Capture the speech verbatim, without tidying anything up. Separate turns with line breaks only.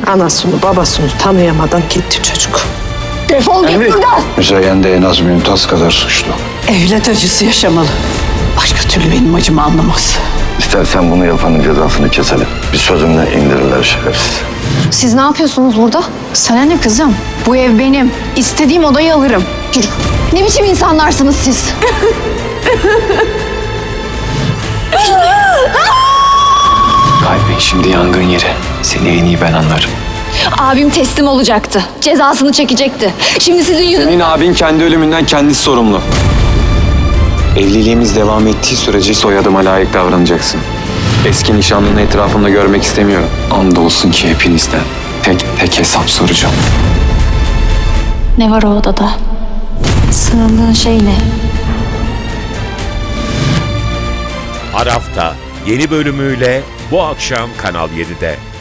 Anasını babasını tanıyamadan gitti çocuk.
Defol git buradan.
Müzeyyen de en az Mümtaz kadar suçlu.
Evlat acısı yaşamalı. Başka türlü benim acımı anlamaz.
İstersen bunu yapanın cezasını keselim. Bir sözümle indirirler şerefsiz.
Siz ne yapıyorsunuz burada?
Sana ne kızım? Bu ev benim. İstediğim odayı alırım.
Yürü. Ne biçim insanlarsınız siz?
Kalbin şimdi yangın yeri. Seni en iyi ben anlarım.
Abim teslim olacaktı. Cezasını çekecekti. Şimdi sizin yüzünüzden...
Senin abin kendi ölümünden kendisi sorumlu. Evliliğimiz devam ettiği sürece soyadıma layık davranacaksın. Eski nişanlını etrafımda görmek istemiyorum. Andolsun ki hepinizden tek tek hesap soracağım.
Ne var o odada? Sığındığın şey ne?
Arafta yeni bölümüyle bu akşam Kanal yedide.